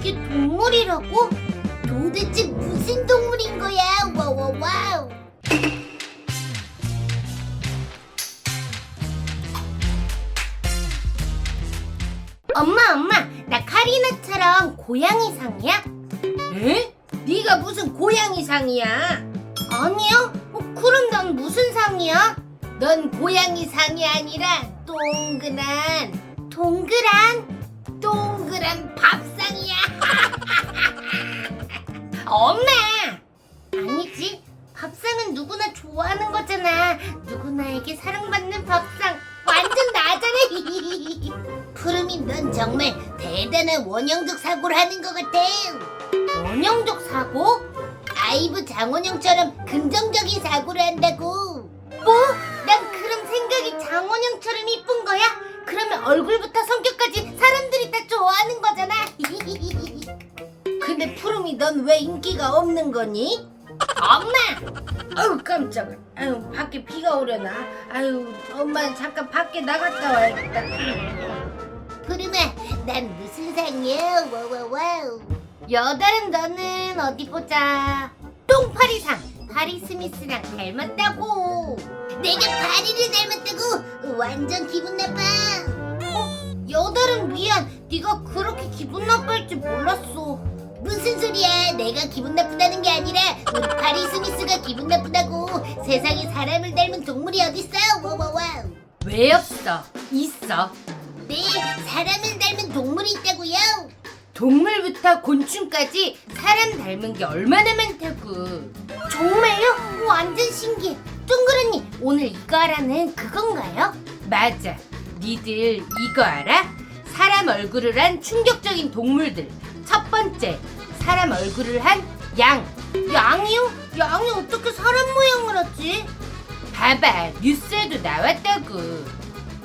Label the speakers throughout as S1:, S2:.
S1: 이게 동물이라고? 도대체 무슨 동물인 거야? 와와와우. 엄마, 나 카리나처럼 고양이상이야?
S2: 에? 네가 무슨 고양이상이야?
S1: 아니요? 그럼 난 무슨 상이야?
S2: 넌 고양이상이 아니라 동그란
S1: 동그란
S2: 밥상이야.
S1: 엄마! 아니지, 밥상은 누구나 좋아하는 거잖아. 누구나에게 사랑받는 밥상 완전 나잖아. 푸름이 넌 정말 대단한 원형적 사고를 하는 것 같아. 원형적 사고? 아이브 장원영처럼 긍정적인 사고를 한다고. 뭐? 난 그럼 생각이 장원영처럼 이쁜 거야? 그러면 얼굴부터 성격까지 사람들이 다 좋아하는 거잖아.
S2: 근데 푸름이 넌 왜 인기가 없는 거니?
S1: 엄마!
S2: 아유 깜짝아. 아유 밖에 비가 오려나. 아유 엄마는 잠깐 밖에 나갔다 와야겠다.
S1: 푸름아, 난 무슨 상이야? 와와와우. 여다른 너는 어디 보자. 똥파리상. 파리 스미스랑 닮았다고. 내가 파리를 닮았다고? 완전 기분 나빠. 여다른 미안. 네가 그렇게 기분 나빠할 줄 몰랐어. 무슨 소리야? 내가 기분 나쁘다는 게 아니라 우리 파리 스미스가 기분 나쁘다고. 세상에 사람을 닮은 동물이 어딨어? 와와와우.
S2: 왜 없어? 있어.
S1: 네, 사람을 닮은 동물이 있다고요.
S2: 동물부터 곤충까지 사람 닮은 게 얼마나 많다고.
S1: 정말요? 완전 신기해. 둥그러니 오늘 이거 하라는 그건가요?
S2: 맞아. 니들 이거 알아? 사람 얼굴을 한 충격적인 동물들. 첫 번째, 사람 얼굴을 한 양.
S1: 양이요? 양이 어떻게 사람 모양을 하지?
S2: 봐봐, 뉴스에도 나왔다고.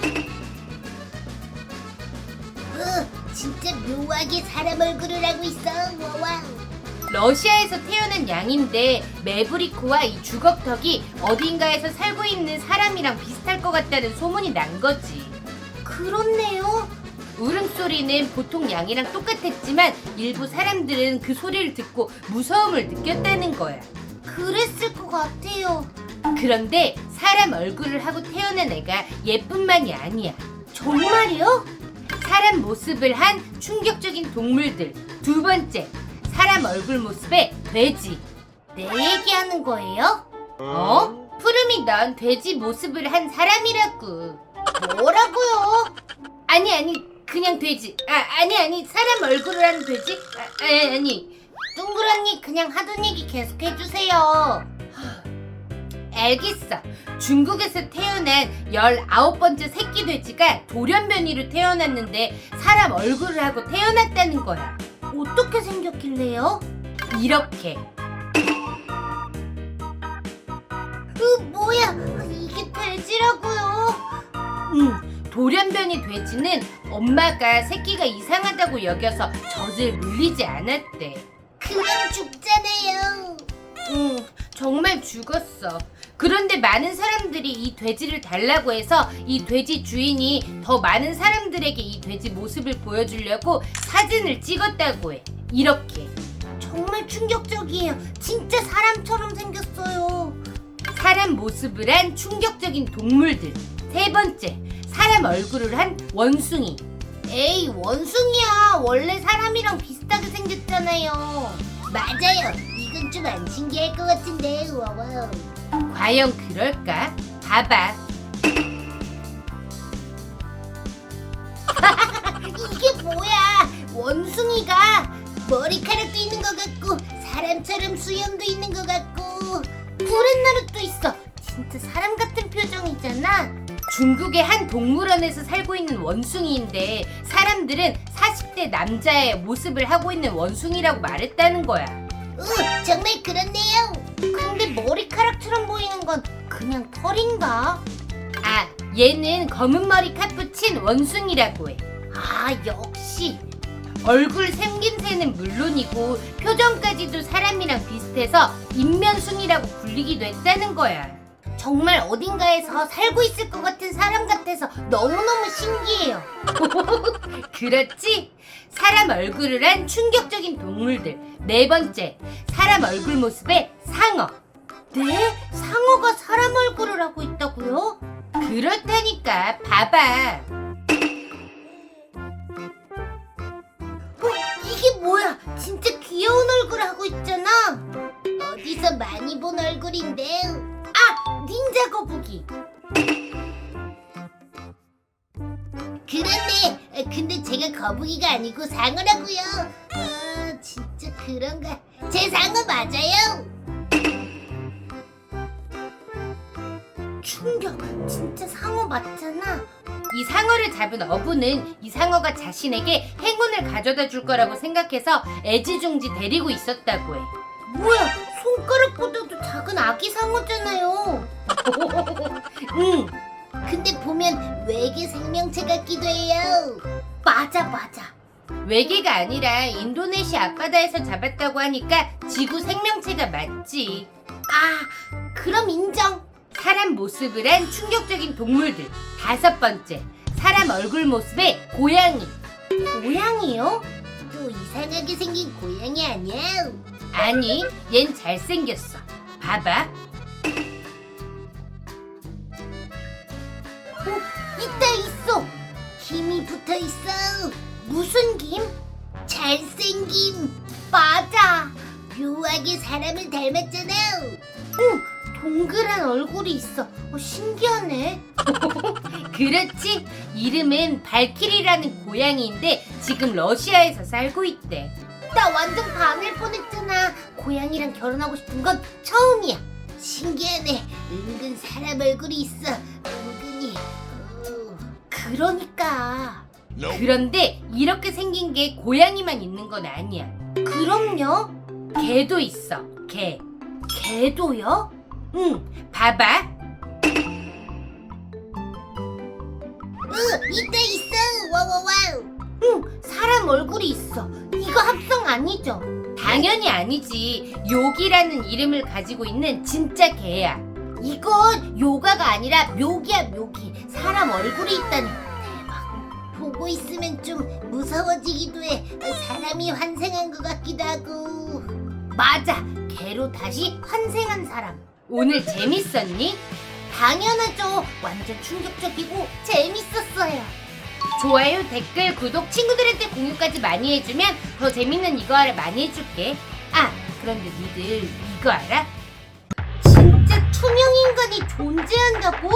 S1: 진짜 묘하게 사람 얼굴을 하고 있어. 와와.
S2: 러시아에서 태어난 양인데 매브리코와 이 주걱턱이 어딘가에서 살고 있는 사람이랑 비슷할 것 같다는 소문이 난 거지.
S1: 그렇네요.
S2: 울음소리는 보통 양이랑 똑같았지만 일부 사람들은 그 소리를 듣고 무서움을 느꼈다는 거야.
S1: 그랬을 것 같아요.
S2: 그런데 사람 얼굴을 하고 태어난 애가 얘뿐만이 아니야.
S1: 정말요?
S2: 사람 모습을 한 충격적인 동물들. 두 번째, 사람 얼굴 모습의 돼지.
S1: 내 얘기하는 거예요?
S2: 푸름이 넌 돼지 모습을 한 사람이라고.
S1: 뭐라고요?
S2: 아니, 그냥 돼지. 아니, 사람 얼굴을 한 돼지? 아니.
S1: 둥그러니 그냥 하던 얘기 계속 해주세요.
S2: 알겠어. 중국에서 태어난 19번째 새끼 돼지가 돌연변이로 태어났는데 사람 얼굴을 하고 태어났다는 거야.
S1: 어떻게 생겼길래요?
S2: 이렇게.
S1: 뭐야? 이게 돼지라고요?
S2: 돌연변이 돼지는 엄마가 새끼가 이상하다고 여겨서 젖을 물리지 않았대.
S1: 그럼 죽잖아요.
S2: 정말 죽었어. 그런데 많은 사람들이 이 돼지를 달라고 해서 이 돼지 주인이 더 많은 사람들에게 이 돼지 모습을 보여주려고 사진을 찍었다고 해. 이렇게.
S1: 정말 충격적이에요. 진짜 사람처럼 생겼어요.
S2: 사람 모습을 한 충격적인 동물들. 세 번째, 사람 얼굴을 한 원숭이.
S1: 에이, 원숭이야. 원래 사람이랑 비슷하게 생겼잖아요. 맞아요. 이건 좀 안 신기할 것 같은데. 와와.
S2: 과연 그럴까? 봐봐.
S1: 이게 뭐야? 원숭이가 머리카락도 있는 것 같고 사람처럼 수염도 있는 것 같고 구렛나루도 있어. 진짜 사람 같은 표정이잖아.
S2: 중국의 한 동물원에서 살고 있는 원숭이인데 사람들은 40대 남자의 모습을 하고 있는 원숭이라고 말했다는 거야.
S1: 정말 그렇네요. 근데 머리카락처럼 보이는 건 그냥 털인가?
S2: 얘는 검은 머리 카푸친 원숭이라고 해.
S1: 역시.
S2: 얼굴 생김새는 물론이고 표정까지도 사람이랑 비슷해서 인면숭이라고 불리기도 했다는 거야.
S1: 정말 어딘가에서 살고 있을 것 같은 사람 같아서 너무너무 신기해요.
S2: 그렇지? 사람 얼굴을 한 충격적인 동물들. 네 번째, 사람 얼굴 모습의 상어.
S1: 네? 상어가 사람 얼굴을 하고 있다고요?
S2: 그렇다니까. 봐봐.
S1: 이게 뭐야? 진짜 귀여운 얼굴 하고 있잖아. 어디서 많이 본 얼굴인데. 아! 닌자 거북이. 그렇네. 근데 제가 거북이가 아니고 상어라고요. 진짜 그런가? 제 상어 맞아요. 충격. 진짜 상어 맞잖아.
S2: 이 상어를 잡은 어부는 이 상어가 자신에게 행운을 가져다 줄 거라고 생각해서 애지중지 데리고 있었다고 해.
S1: 뭐야? 손가락보다도 작은 아기 상어잖아요.
S2: 응.
S1: 근데 보면 외계 생명체 같기도 해요. 맞아.
S2: 외계가 아니라 인도네시아 앞바다에서 잡았다고 하니까 지구 생명체가 맞지.
S1: 아, 그럼 인정.
S2: 사람 모습을 한 충격적인 동물들. 다섯 번째, 사람 얼굴 모습의 고양이.
S1: 고양이요? 또 이상하게 생긴 고양이 아니야?
S2: 아니, 얜 잘생겼어. 봐봐.
S1: 있어. 김이 붙어있어. 무슨 김? 잘생김. 맞아. 묘하게 사람을 닮았잖아. 응, 동그란 얼굴이 있어. 신기하네.
S2: 그렇지? 이름은 발키리라는 고양이인데 지금 러시아에서 살고 있대.
S1: 나 완전 반할 뻔했잖아. 고양이랑 결혼하고 싶은 건 처음이야. 신기하네. 은근 사람 얼굴이 있어. 은근히. 그러니까.
S2: 그런데 이렇게 생긴 게 고양이만 있는 건 아니야.
S1: 그럼요.
S2: 개도 있어. 개.
S1: 개도요?
S2: 응, 봐봐.
S1: 있어. 와와와우. 응, 사람 얼굴이 있어. 이거 합성 아니죠?
S2: 당연히 아니지. 요기라는 이름을 가지고 있는 진짜 개야.
S1: 이건 요가가 아니라 묘기야, 묘기. 사람 얼굴이 있다니. 대박. 보고 있으면 좀 무서워지기도 해. 사람이 환생한 것 같기도 하고. 맞아. 개로 다시 환생한 사람.
S2: 오늘 재밌었니?
S1: 당연하죠. 완전 충격적이고 재밌었어요.
S2: 좋아요, 댓글, 구독, 친구들한테 공유까지 많이 해주면 더 재밌는 이거 알아 많이 해줄게. 아, 그런데 니들 이거 알아?
S1: 진짜 투명 인간이 존재한다고?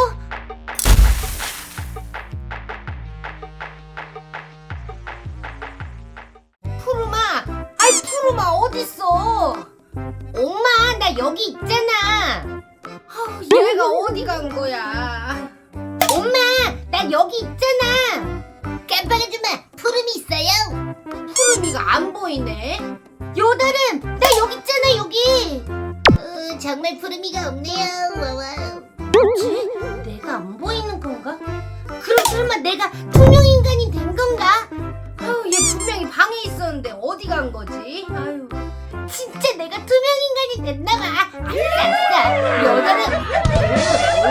S1: 푸르마, 아이 푸르마 어딨어? 엄마, 나 여기 있잖아.
S2: 얘가 어디 간 거야?
S1: 엄마, 나 여기 있잖아. 깜빡하지마. 푸름이 있어요. 푸름이가 안 보이네. 요다름, 나 여기 있잖아, 여기. 정말 푸름이가 없네요. 와와. 뭐지? 내가 안 보이는 건가? 그럼 설마 내가 투명 인간이 된 건가?
S2: 얘 분명히 방에 있었는데 어디 간 거지? 아유.
S1: 진짜 내가 투명 인간이 됐나봐. 아싸. 요다름.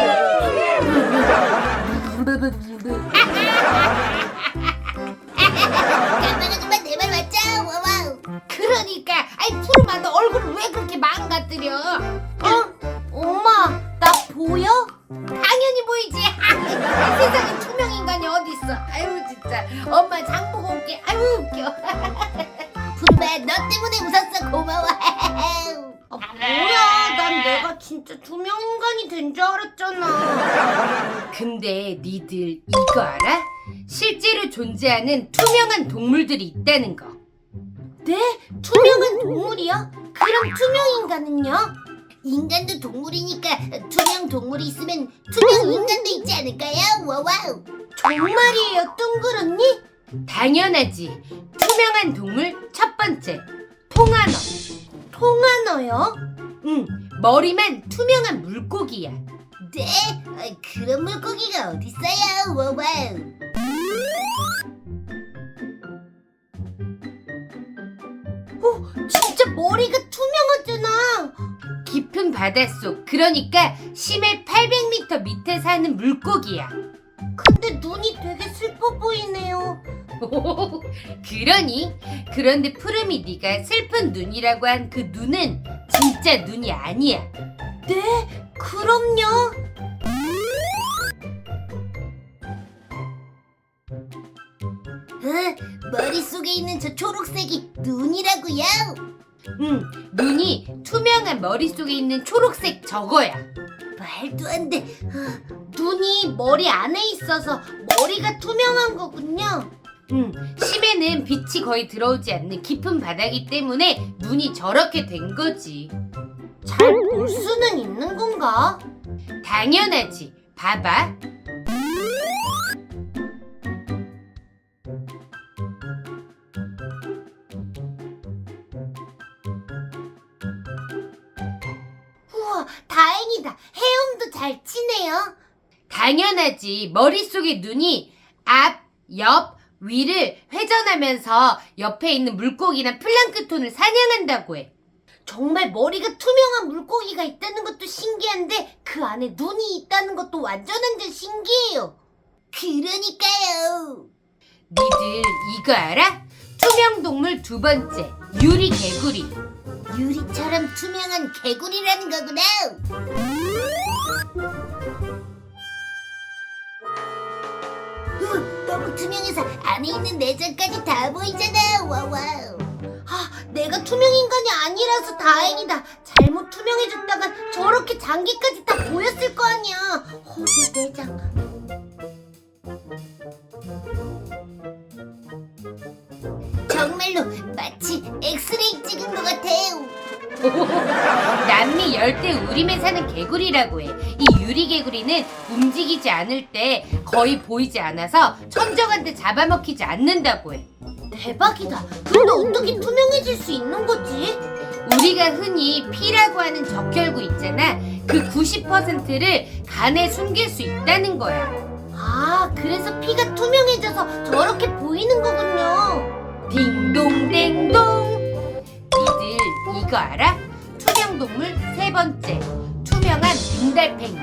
S1: 깜빡하지마. 내 말 맞죠? 와와.
S2: 그러니까 아이 푸르마 너 얼굴을 왜 그렇게 망가뜨려?
S1: 엄마, 나 보여?
S2: 당연히 보이지. 세상에 투명 인간이 어디 있어? 아유 진짜. 엄마 장 보고 올게. 아유 웃겨.
S1: 푸르마, 너 때문에 웃었어. 고마워. 뭐야? 난 내가 진짜 투명 인간이 된 줄 알았잖아.
S2: 근데 니들 이거 알아? 실제로 존재하는 투명한 동물들이 있다는 거.
S1: 네? 투명한 동물이요? 그럼 투명 인간은요? 인간도 동물이니까 투명 동물이 있으면 투명 인간도 있지 않을까요? 와와우. 정말이에요, 둥그런니?
S2: 당연하지. 투명한 동물 첫 번째, 통한어.
S1: 통한어요?
S2: 응, 머리만 투명한 물고기야.
S1: 네? 그런 물고기가 어딨어요? 와와우. 진짜 머리가 투명하잖아.
S2: 깊은 깊은 바닷속, 그러니까 심해 800m 밑에 사는 물고기야.
S1: 근데 눈이 되게 슬퍼 보이네요.
S2: 그러니? 그런데 푸름이 네가 슬픈 눈이라고 한 그 눈은 진짜 눈이 아니야.
S1: 네? 그럼요. 머릿속에 있는 저 초록색이 눈이라고요?
S2: 눈이 투명한 머릿속에 있는 초록색 저거야.
S1: 말도 안 돼. 눈이 머리 안에 있어서 머리가 투명한 거군요.
S2: 심해는 빛이 거의 들어오지 않는 깊은 바다기 때문에 눈이 저렇게 된 거지.
S1: 잘 볼 수는 있는 건가?
S2: 당연하지. 봐봐.
S1: 우와, 다행이다. 헤엄도 잘 치네요.
S2: 당연하지. 머릿속에 눈이 앞, 옆, 위를 회전하면서 옆에 있는 물고기나 플랑크톤을 사냥한다고 해.
S1: 정말 머리가 투명한 물고기가 있다는 것도 신기한데 그 안에 눈이 있다는 것도 완전 신기해요. 그러니까요.
S2: 니들 이거 알아? 투명 동물 두 번째, 유리 개구리.
S1: 유리처럼 투명한 개구리라는 거구나. 너무 투명해서 안에 있는 내장까지 다 보이잖아. 와와우. 내가 투명 인간이 아니라서 다행이다. 잘못 투명해졌다간 저렇게 장기까지 다 보였을 거 아니야. 내 내장. 정말로 마치 엑스레이 찍은 것 같아요.
S2: 남미 열대 우림에 사는 개구리라고 해. 이 유리 개구리는 움직이지 않을 때 거의 보이지 않아서 천적한테 잡아먹히지 않는다고 해.
S1: 대박이다. 근데 어떻게 투명해질 수 있는 거지?
S2: 우리가 흔히 피라고 하는 적혈구 있잖아. 그 90%를 간에 숨길 수 있다는 거야.
S1: 그래서 피가 투명해져서 저렇게 보이는 거군요.
S2: 딩동댕동. 니들 이거 알아? 투명 동물 세 번째, 투명한 민달팽이.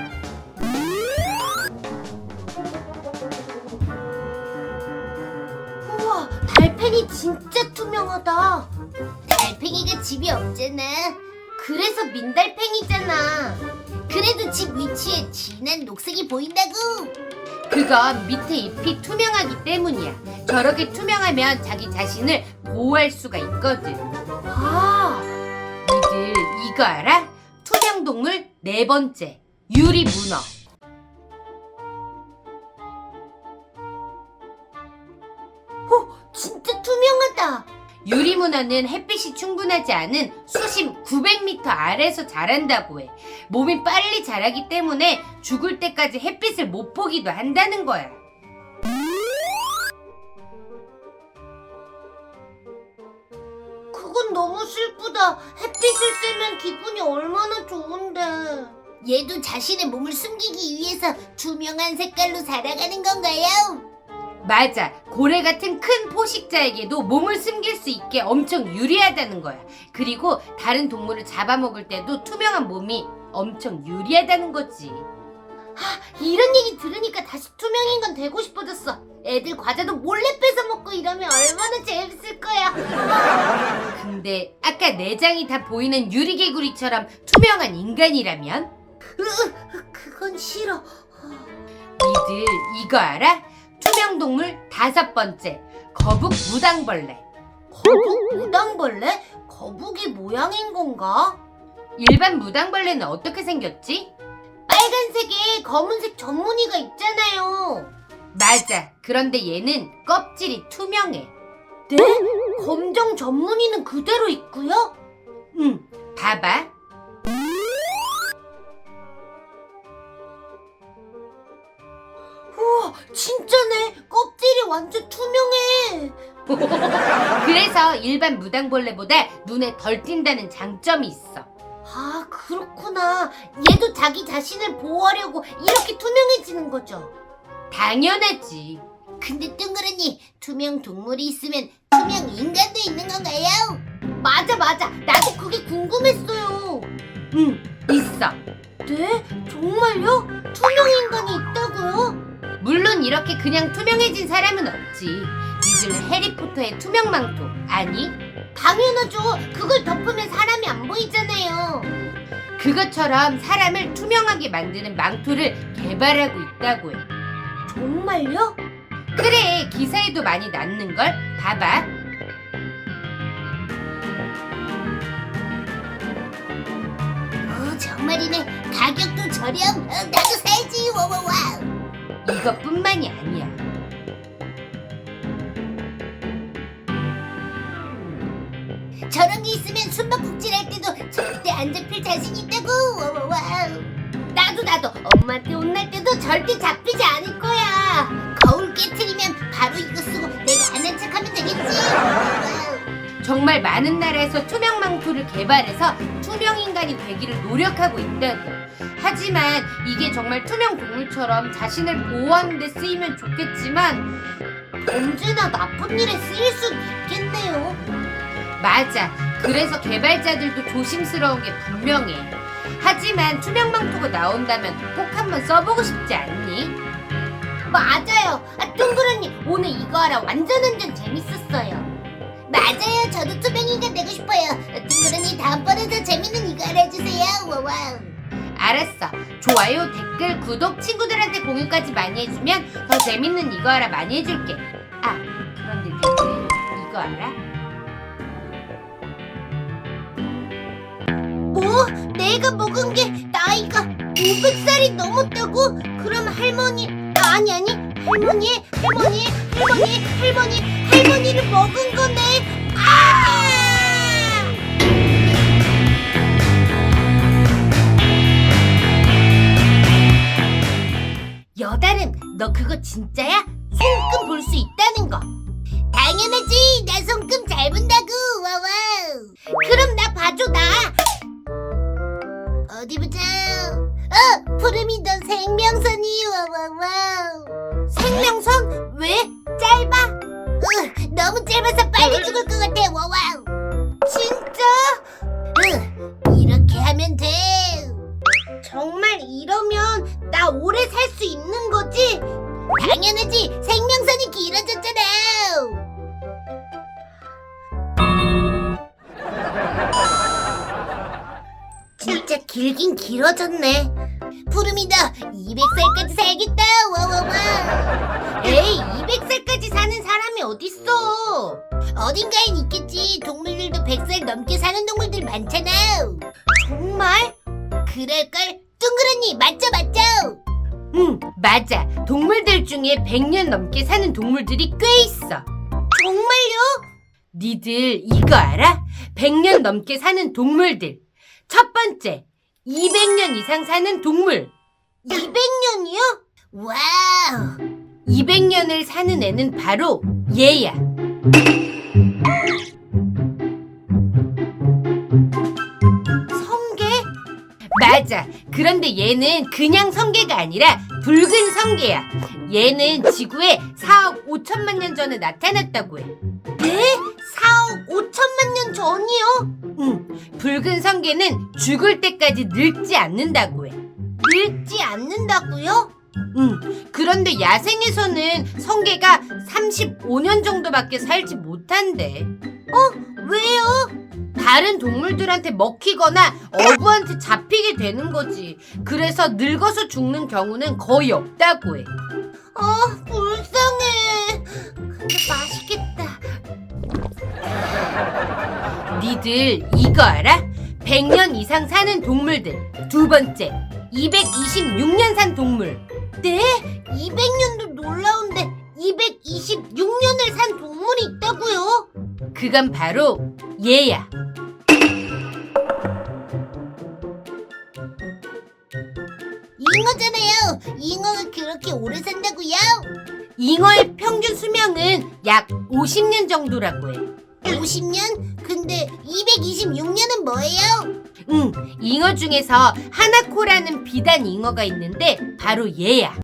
S1: 우와, 달팽이 진짜 투명하다. 달팽이가 집이 없잖아. 그래서 민달팽이잖아. 그래도 집 위치에 진한 녹색이 보인다고.
S2: 그건 밑에 잎이 투명하기 때문이야. 저렇게 투명하면 자기 자신을 보호할 수가 있거든. 니들 이거 알아? 투명 동물 네 번째, 유리 문어.
S1: 진짜 투명하다.
S2: 유리 문어는 햇빛이 충분하지 않은 수심 900m 아래에서 자란다고 해. 몸이 빨리 자라기 때문에 죽을 때까지 햇빛을 못 보기도 한다는 거야.
S1: 그건 너무 슬프다. 햇빛을 쐬면 기분이 얼마나 좋은데. 얘도 자신의 몸을 숨기기 위해서 투명한 색깔로 살아가는 건가요?
S2: 맞아. 고래 같은 큰 포식자에게도 몸을 숨길 수 있게 엄청 유리하다는 거야. 그리고 다른 동물을 잡아먹을 때도 투명한 몸이 엄청 유리하다는 거지.
S1: 이런 얘기 들으니까 다시 투명인간 되고 싶어졌어. 애들 과자도 몰래 뺏어 먹고 이러면 얼마나 재밌을 거야.
S2: 근데 아까 내장이 다 보이는 유리개구리처럼 투명한 인간이라면?
S1: 그건 싫어.
S2: 니들 이거 알아? 투명 동물 다섯 번째, 거북 무당벌레.
S1: 거북 무당벌레? 거북이 모양인 건가?
S2: 일반 무당벌레는 어떻게 생겼지?
S1: 빨간색에 검은색 점무늬가 있잖아요.
S2: 맞아. 그런데 얘는 껍질이 투명해.
S1: 네? 검정 점무늬는 그대로 있고요?
S2: 응, 봐봐.
S1: 우와, 진짜네. 껍질이 완전 투명해.
S2: 그래서 일반 무당벌레보다 눈에 덜 띈다는 장점이 있어.
S1: 그렇구나. 얘도 자기 자신을 보호하려고 이렇게 투명해지는 거죠.
S2: 당연하지.
S1: 근데 뚱그러니 투명 동물이 있으면 투명 인간도 있는 건가요? 맞아. 나도 그게 궁금했어요.
S2: 있어.
S1: 네? 정말요? 투명 인간이 있다고요?
S2: 물론 이렇게 그냥 투명해진 사람은 없지. 니들 해리포터의 투명 망토 아니?
S1: 당연하죠. 그걸 덮으면 사람이 안 보이잖아요.
S2: 그것처럼 사람을 투명하게 만드는 망토를 개발하고 있다고 해.
S1: 정말요?
S2: 그래, 기사에도 많이 났는걸? 봐봐.
S1: 정말이네. 가격도 저렴. 나도 사야지. 와와와.
S2: 이것뿐만이 아니야.
S1: 저런 게 있으면 숨바꼭질 할 때도 절대 안 잡힐 자신 있다고. 와와와. 나도 엄마한테 혼날 때도 절대 잡히지 않을 거야. 거울 깨트리면 바로 이거 쓰고 내가 안 한 척하면 되겠지. 와와와.
S2: 정말 많은 나라에서 투명 망토를 개발해서 투명 인간이 되기를 노력하고 있다고. 하지만 이게 정말 투명 동물처럼 자신을 보호하는 데 쓰이면 좋겠지만
S1: 언제나 나쁜 일에 쓰일 수는 있겠네요.
S2: 맞아. 그래서 개발자들도 조심스러운 게 분명해. 하지만 투명 망토가 나온다면 꼭 한번 써보고 싶지 않니?
S1: 맞아요. 둥그러니 오늘 이거 하라 완전 재밌었어요. 맞아요. 저도 투명인간 되고 싶어요. 둥그러니 다음번에 더 재밌는 이거 알아주세요. 와와.
S2: 알았어. 좋아요, 댓글, 구독, 친구들한테 공유까지 많이 해주면 더 재밌는 이거 알아 많이 해줄게. 아, 그런데 니들 이거 알아?
S1: 뭐? 내가 먹은 게 나이가 500살이 넘었다고? 그럼 할머니를 먹은 거네. 여다름, 너 그거 진짜야? 손금 볼 수 있다는 거. 당연하지. 나 손금 잘 본다고. 와와. 그럼 나 봐줘. 나 어디 보자. 푸름이 넌 생명선이. 와와와. 생명선? 왜? 짧아? 너무 짧아서 빨리 죽을 것 같아. 와와. 진짜? 이렇게 하면 돼. 정말 이러면 나 오래 살 수 있는 거지? 당연하지. 생명선이 길어졌잖아. 진짜 길긴 길어졌네. 푸름이 너 200살까지 살겠다. 와와와. 에이, 200살까지 사는 사람이 어딨어. 어딘가엔 있겠지. 동물들도 100살 넘게 사는 동물들 많잖아. 정말? 그럴걸? 둥그러니 맞죠?
S2: 응, 맞아. 동물들 중에 100년 넘게 사는 동물들이 꽤 있어.
S1: 정말요?
S2: 니들 이거 알아? 100년 넘게 사는 동물들. 첫 번째, 200년 이상 사는 동물.
S1: 200년이요? 와우.
S2: 200년을 사는 애는 바로 얘야.
S1: 성게?
S2: 맞아. 그런데 얘는 그냥 성게가 아니라 붉은 성게야. 얘는 지구에 4억 5천만 년 전에 나타났다고 해.
S1: 네? 4억 5천만 년 전이요?
S2: 응, 붉은 성게는 죽을 때까지 늙지 않는다고 해.
S1: 늙지 않는다고요?
S2: 응, 그런데 야생에서는 성게가 35년 정도밖에 살지 못한대.
S1: 왜요?
S2: 다른 동물들한테 먹히거나 어부한테 잡히게 되는 거지. 그래서 늙어서 죽는 경우는 거의 없다고 해.
S1: 불쌍해. 근데 맛있겠다.
S2: 니들 이거 알아? 100년 이상 사는 동물들. 두 번째, 226년 산 동물.
S1: 네? 200년도 놀라운데 226년을 산 동물이 있다고요?
S2: 그건 바로 얘야.
S1: 잉어잖아요. 잉어가 그렇게 오래 산다고요?
S2: 잉어의 평균 수명은 약 50년 정도라고 해.
S1: 50년? 근데 226년은 뭐예요?
S2: 응, 잉어 중에서 하나코라는 비단 잉어가 있는데 바로 얘야.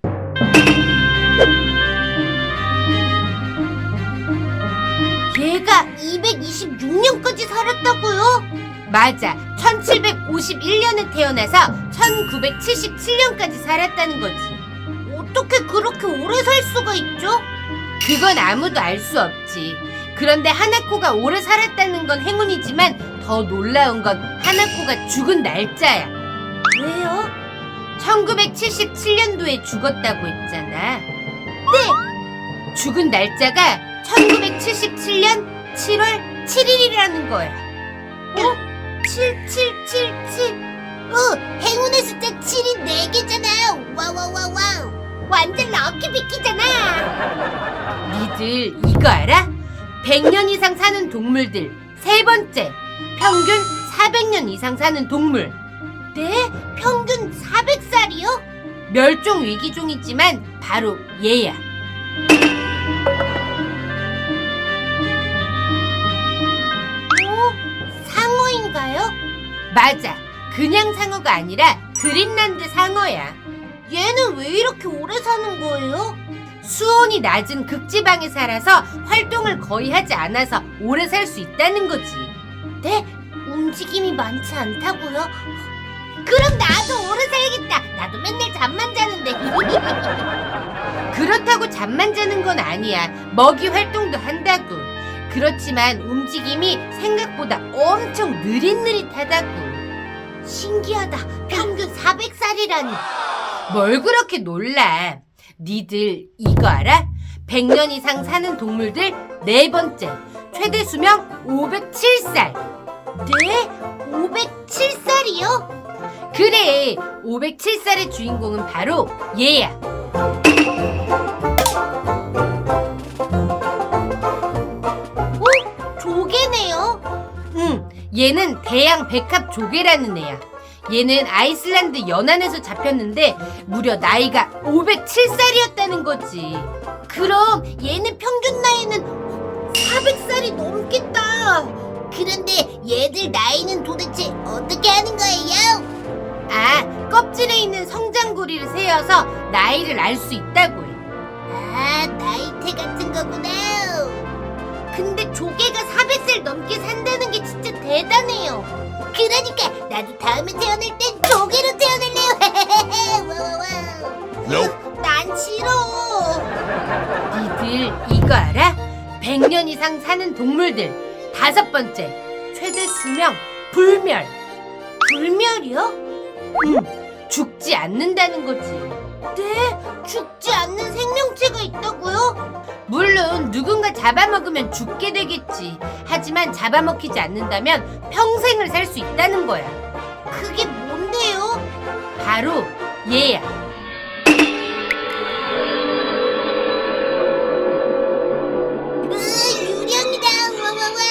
S1: 얘가 226년까지 살았다고요?
S2: 맞아. 1751년에 태어나서 1977년까지 살았다는 거지.
S1: 어떻게 그렇게 오래 살 수가 있죠?
S2: 그건 아무도 알 수 없지. 그런데 하나코가 오래 살았다는 건 행운이지만 더 놀라운 건 하나코가 죽은 날짜야.
S1: 왜요?
S2: 1977년도에 죽었다고 했잖아. 네! 죽은 날짜가 1977년 7월 7일이라는 거야.
S1: 7777. 행운의 숫자 7이 4개잖아. 와와와와우. 완전 럭키 비키잖아.
S2: 니들 이거 알아? 100년 이상 사는 동물들 세 번째, 평균 400년 이상 사는 동물.
S1: 네? 평균 400살이요?
S2: 멸종 위기종이지만 바로 얘야.
S1: 상어인가요?
S2: 맞아. 그냥 상어가 아니라 그린란드 상어야.
S1: 얘는 왜 이렇게 오래 사는 거예요?
S2: 수온이 낮은 극지방에 살아서 활동을 거의 하지 않아서 오래 살 수 있다는 거지.
S1: 네? 움직임이 많지 않다고요? 그럼 나도 오래 살겠다. 나도 맨날 잠만 자는데.
S2: 그렇다고 잠만 자는 건 아니야. 먹이 활동도 한다고. 그렇지만 움직임이 생각보다 엄청 느릿느릿하다고.
S1: 신기하다. 평균 400살이라니.
S2: 뭘 그렇게 놀라. 니들 이거 알아? 100년 이상 사는 동물들 네 번째, 최대 수명 507살.
S1: 네? 507살이요?
S2: 그래, 507살의 주인공은 바로 얘야.
S1: 조개네요.
S2: 얘는 대양 백합 조개라는 애야. 얘는 아이슬란드 연안에서 잡혔는데 무려 나이가 507살이었다는 거지.
S1: 그럼 얘는 평균 나이는 400살이 넘겠다. 그런데 얘들 나이는 도대체 어떻게 하는 거예요?
S2: 아, 껍질에 있는 성장고리를 세어서 나이를 알 수 있다고 해.
S1: 아, 나이테 같은 거구나. 근데 조개가 400살 넘게 산다는 게 진짜 대단해요. 그러니까 나도 다음에 태어날 땐 조개로 태어날래요. 와와와. 난 싫어.
S2: 니들 이거 알아? 100년 이상 사는 동물들 다섯 번째, 최대 수명 불멸.
S1: 불멸이요?
S2: 죽지 않는다는 거지.
S1: 네? 죽지 않는 생명체가 있다고요?
S2: 물론 누군가 잡아먹으면 죽게 되겠지. 하지만 잡아먹히지 않는다면 평생을 살 수 있다는 거야.
S1: 그게 뭔데요?
S2: 바로 얘야.
S1: 유령이다. 와와와.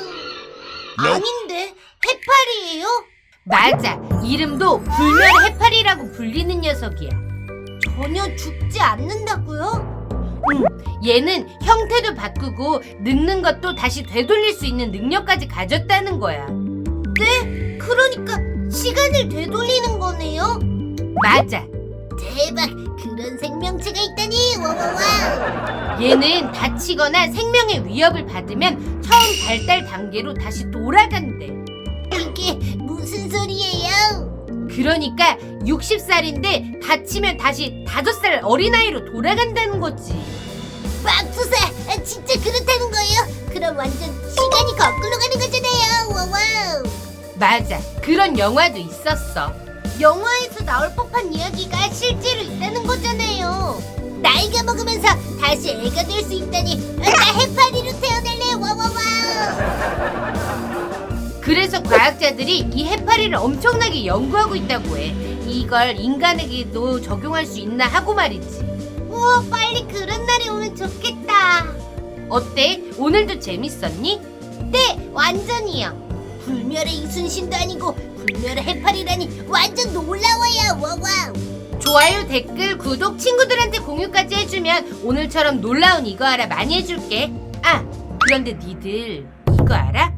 S1: 아닌데 해파리예요?
S2: 맞아. 이름도 불멸 해파리라고 불리는 녀석이야.
S1: 전혀 죽지 않는다고요?
S2: 얘는 형태도 바꾸고 늙는 것도 다시 되돌릴 수 있는 능력까지 가졌다는 거야.
S1: 네? 그러니까 시간을 되돌리는 거네요?
S2: 맞아.
S1: 대박! 그런 생명체가 있다니! 와와와!
S2: 얘는 다치거나 생명의 위협을 받으면 처음 발달 단계로 다시 돌아간대.
S1: 이게 무슨 소리예요?
S2: 그러니까 60살인데 다치면 다시 5살 어린아이로 돌아간다는 거지.
S1: 맙소사! 진짜 그렇다는 거예요? 그럼 완전 시간이 거꾸로 가는 거잖아요! 와와우!
S2: 맞아. 그런 영화도 있었어.
S1: 영화에서 나올 법한 이야기가 실제로 있다는 거잖아요. 나이가 먹으면서 다시 애가 될 수 있다니 나 해파리로 태어날래! 와와와!
S2: 그래서 과학자들이 이 해파리를 엄청나게 연구하고 있다고 해. 이걸 인간에게도 적용할 수 있나 하고 말이지.
S1: 우와, 빨리 그런 날이 오면 좋겠다.
S2: 어때? 오늘도 재밌었니?
S1: 네, 완전히요. 불멸의 이순신도 아니고 불멸의 해파리라니 완전 놀라워요. 와와우.
S2: 좋아요, 댓글, 구독, 친구들한테 공유까지 해주면 오늘처럼 놀라운 이거 알아 많이 해줄게. 아, 그런데 니들 이거 알아?